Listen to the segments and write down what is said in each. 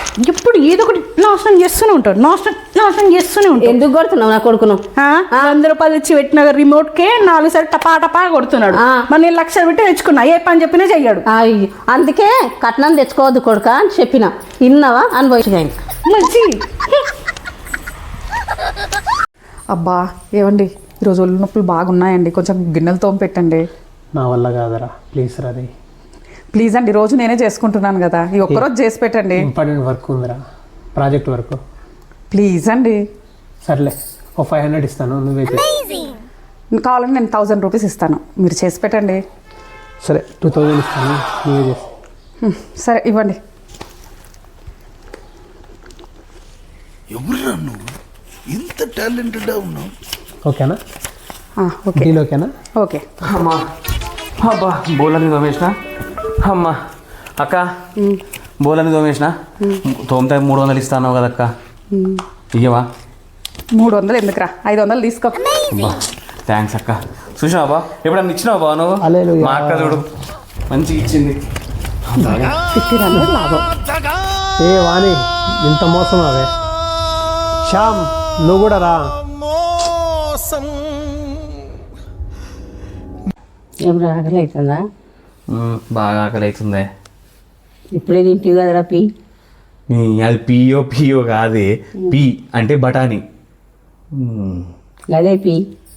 ఎప్పుడు ఏదో ఒకటి నాశనం చేస్తూనే ఉంటాడు, నాశనం చేస్తూనే ఉంటాడు. ఎందుకు కొడుతున్నావు నా కొడుకును? 100 రూపాయలు ఇచ్చి పెట్టిన రిమోట్కే 4 సార్లు టపా టపా కొడుతున్నాడు. మరి నేను 1,00,000 పెట్టి తెచ్చుకున్నా, ఏ పని చెప్పినా చెయ్యాడు. అందుకే కట్నం తెచ్చుకోవద్దు కొడుక అని చెప్పిన, విన్నావా? అనుభవించగాని మంచి. అబ్బా ఏమండి, ఈరోజు ఒళ్ళు నొప్పులు బాగున్నాయండి, కొంచెం గిన్నెలు తోమ పెట్టండి. నా వల్ల కాదరా, ప్లీజ్ రది. ప్లీజ్ అండి, రోజు నేనే చేసుకుంటున్నాను కదా, ఈ ఒక్కరోజు చేసి పెట్టండి. ఇంపార్టెంట్ వర్క్ ఉందిరా, ప్రాజెక్ట్ వర్క్. ప్లీజ్ అండి. సర్లే, ఓ 500 ఇస్తాను, నువ్వే చేయి. కావాలంటే నేను 1000 రూపీస్ ఇస్తాను, మీరు చేసి పెట్టండి. సరే 2000 ఇస్తాను, నువ్వే చేసి. సరే ఇవ్వండి. ఎవరురా నువ్వు, ఇంత టాలెంటెడ్గా ఉన్నావు? ఓకేనా? ఓకే డీల్ ఓకేనా? ఓకే. అమ్మా అబ్బా, బోలని తోమేసిన. అమ్మా అక్క, బోలని తోమేసిన. తోమితే 300 ఇస్తాను కదా అక్క, ఇయ్యవా? 300 ఎందుకురా, 500 తీసుకో. అబ్బా థ్యాంక్స్ అక్క. చూసినావా బా, ఎప్పుడన్నా ఇచ్చినావా బా నువ్వు? హల్లెలూయా. మా అక్క చూడు మంచిగా ఇచ్చింది. 1500 లాభం. ఏ వాణి, ఇంత మోసం అవే. శ్యామ్ నువ్వు కూడా రా. ఏం ఆకలి అవుతుందా? బాగా ఆకలి అవుతుందే. ఇప్పుడే తింటివి కదరా పీ. అది పియో కాదే, పీ అంటే బఠానీ. అదే పీ.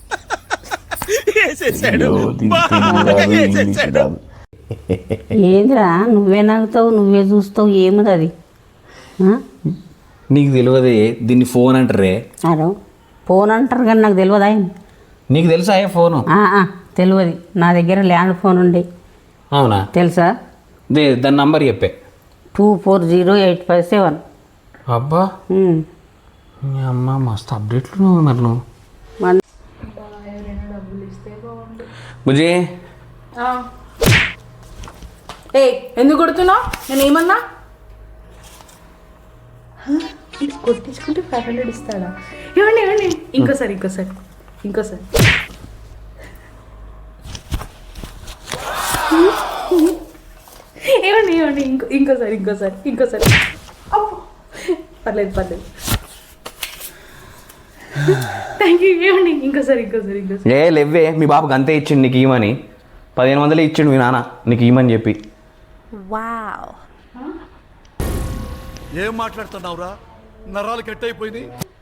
ఏందిరా నువ్వే నవ్వుతావు, నువ్వే చూస్తావు, ఏముంది అది? నీకు తెలియదే, దీన్ని ఫోన్ అంటారే. అరే ఫోన్ అంటారు కానీ నాకు తెలియదా? నీకు తెలుసా ఏ ఫోను? తెలియదు, నా దగ్గర ల్యాండ్ ఫోన్ ఉండే. అవునా? తెలుసా? దాని నంబర్ చెప్పే. 240857. అబ్బా అమ్మ, మస్తు అప్డేట్లు మరి నువ్వు. బుజ్జి ఎందుకు కొడుతున్నావు? నేను ఏమన్నా కొట్టించుకుంటే 500 ఇస్తాడా? ఇవ్వండి ఇంకోసారి. ఇవ్వండి ఇంకోసారి. పర్లేదు థ్యాంక్ యూ. ఇవ్వండి ఇంకోసారి. ఏ లేవే, మీ బాబుకి అంతే ఇచ్చిండు నీకు ఇవ్వమని. 1500 ఇచ్చిండు మీ నాన్న నీకు ఇవ్వమని చెప్పి. ఏం మాట్లాడుతున్నావురా, నరాలు కట్ అయిపోయింది.